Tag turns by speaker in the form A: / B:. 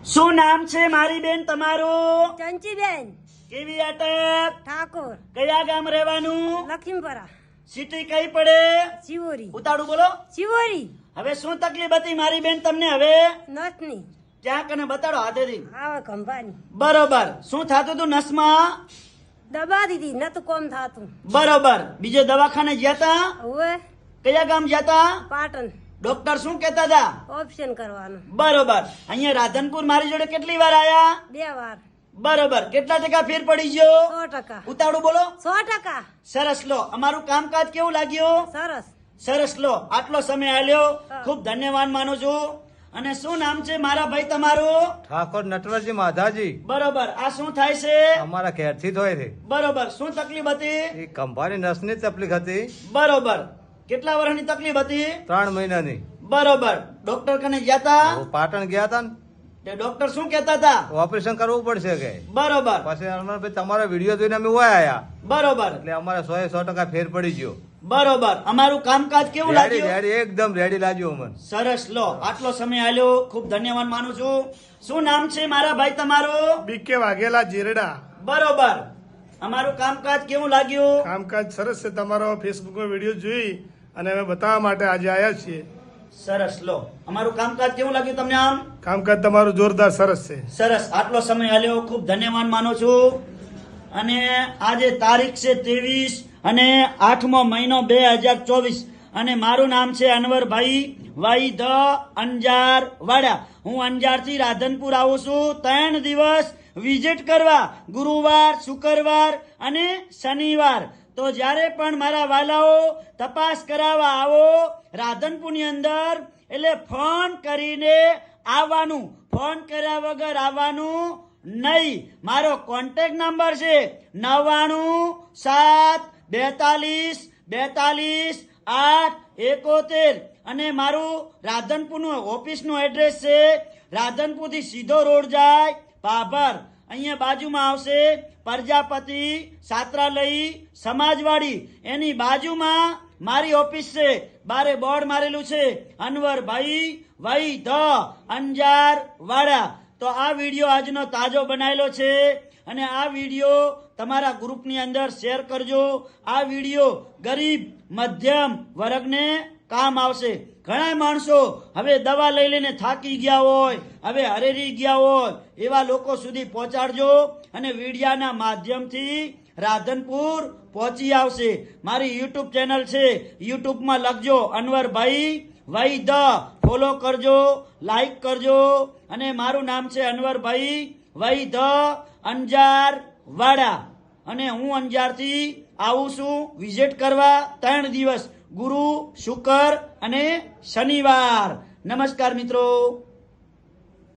A: શું નામ છે મારી બેન તમારું?
B: ચંચીબેન
A: કેવી અટક?
B: ઠાકોર,
A: કયા ગામ રહેવાનું?
B: લખીમપરા,
A: સિટી કઈ પડે?
B: શિવોરી,
A: ઉતાળું બોલો.
B: શિવોરી,
A: હવે શું તકલીફ હતી મારી બેન તમને? હવે
B: નથની
A: ત્યાં કને બતાડો હાથેથી.
B: આવે ખંભાની
A: બરોબર. શું થતું હતું નસમાં?
B: દબા દીધી નતું કોમ થાતું.
A: બરોબર. બીજે દવાખાને ગયા તા?
B: હવે
A: કયા ગામ ગયા તા?
B: પાટણ
A: ડોક્ટર શું કહેતા હતા?
B: ઓપ્શન કરવાનું.
A: બરોબર. અહીંયા રાધનપુર મારી જોડે કેટલી વાર આયા?
B: 2 વાર.
A: બરોબર. કેટલા ટકા ફેર પડી ગયો?
B: 100%.
A: ઉતાળું બોલો.
B: 100%.
A: સરસ. લો, અમારું કામકાજ કેવું લાગ્યું?
B: સરસ.
A: સરસ. લો, આટલો સમય આલ્યો, ખૂબ ધન્યવાદ માનું છું. અને શું નામ છે મારા ભાઈ તમારું?
C: ઠાકોર નટવરજી માધાજી.
A: બરોબર. આ શું થાય છે?
C: અમારા ઘેરથી જ હોય છે.
A: બરોબર. શું તકલીફ હતી?
C: એ ખંભાની નસની તકલીફ હતી.
A: બરોબર. કેટલા વર્ષની તકલીફ હતી?
C: 3 મહિનાની.
A: બરોબર. ડોક્ટર કને ગયા તા?
C: હું પાટણ ગયા હતા ને,
A: તે ડોક્ટર શું કહેતા હતા?
C: ઓપરેશન કરવું પડશે કે.
A: બરોબર.
C: પછી અમરભાઈ તમારા વિડીયો જોઈને અમે ઓય આયા,
A: બરોબર.
C: એટલે અમારે 100% ફેર પડી ગયો.
A: બરોબર. અમારું કામકાજ કેવું
C: રેડી
A: લાગ્યું?
C: રેડી એકદમ રેડી લાગ્યું અમને.
A: સરસ. લો, આટલો સમય આલ્યો, ખૂબ ધન્યવાદ માનું છું. શું નામ છે મારા ભાઈ તમારું?
D: બીકે વાઘેલા જીરડા.
A: બરોબર. અમારું કામકાજ કેવું લાગ્યું?
D: કામકાજ સરસ છે. તમારો ફેસબુકમાં વિડીયો જોઈ અને અમે બતાવવા માટે આજે આવ્યા છીએ.
A: સરસ. લો, અમારું કામકાજ કેવું લાગ્યું તમને? આમ
D: કામકાજ તમારું જોરદાર સરસ છે.
A: સરસ. આટલો સમય આલ્યો, ખૂબ ધન્યવાદ માનું છું. અને આજે તારીખ છે 23 અને 8મો મહિનો 2024 અને મારું નામ છે અનવરભાઈ વાઈ ધ અંજાર વાડા. હું અંજારથી રાધનપુર આવું છું 3 દિવસ વિઝિટ કરવા, ગુરુવાર, શુક્રવાર અને શનિવાર. તો જ્યારે પણ મારા વાલાઓ તપાસ કરાવવા આવો રાધનપુરની અંદર, એટલે ફોન કરીને આવવાનું, ફોન કર્યા વગર આવવાનું નહીં. મારો કોન્ટેક્ટ નંબર છે 9972422871 અને મારું રાધનપુરનું ઓફિસનું એડ્રેસ છે. રાધનપુરથી સીધો રોડ જાય ભાભર, અહીંયા બાજુમાં આવશે પ્રજાપતિ છાત્રાલય સમાજવાડી, એની બાજુમાં મારી ઓફિસ છે. બારે બોર્ડ મારેલું છે અનવરભાઈ વઈ ધ અંજાર વાડા. તો આ વિડીયો આજનો તાજો બનાવેલો છે અને આ વિડીયો તમારા ગ્રુપની અંદર શેર કરજો. આ વિડીયો ગરીબ મધ્યમ વર્ગને કામ આવશે. ઘણા માણસો હવે દવા લઈ લઈને થાકી ગયા હોય, હવે હરેરી ગયા હોય, એવા લોકો સુધી પહોંચાડજો અને વિડીયાના માધ્યમથી રાધનપુર પહોંચી આવશે. મારી યુટ્યુબ ચેનલ છે, યુટ્યુબમાં લખજો અનવરભાઈ વઈ ધ, ફોલો કરજો, લાઈક કરજો. અને મારું નામ છે અનવરભાઈ વઈ ધ અંજાર વાડા અને હું અંજારથી આવું છું વિઝિટ કરવા 3 દિવસ, ગુરુ, શુક્ર અને શનિવાર. નમસ્કાર મિત્રો.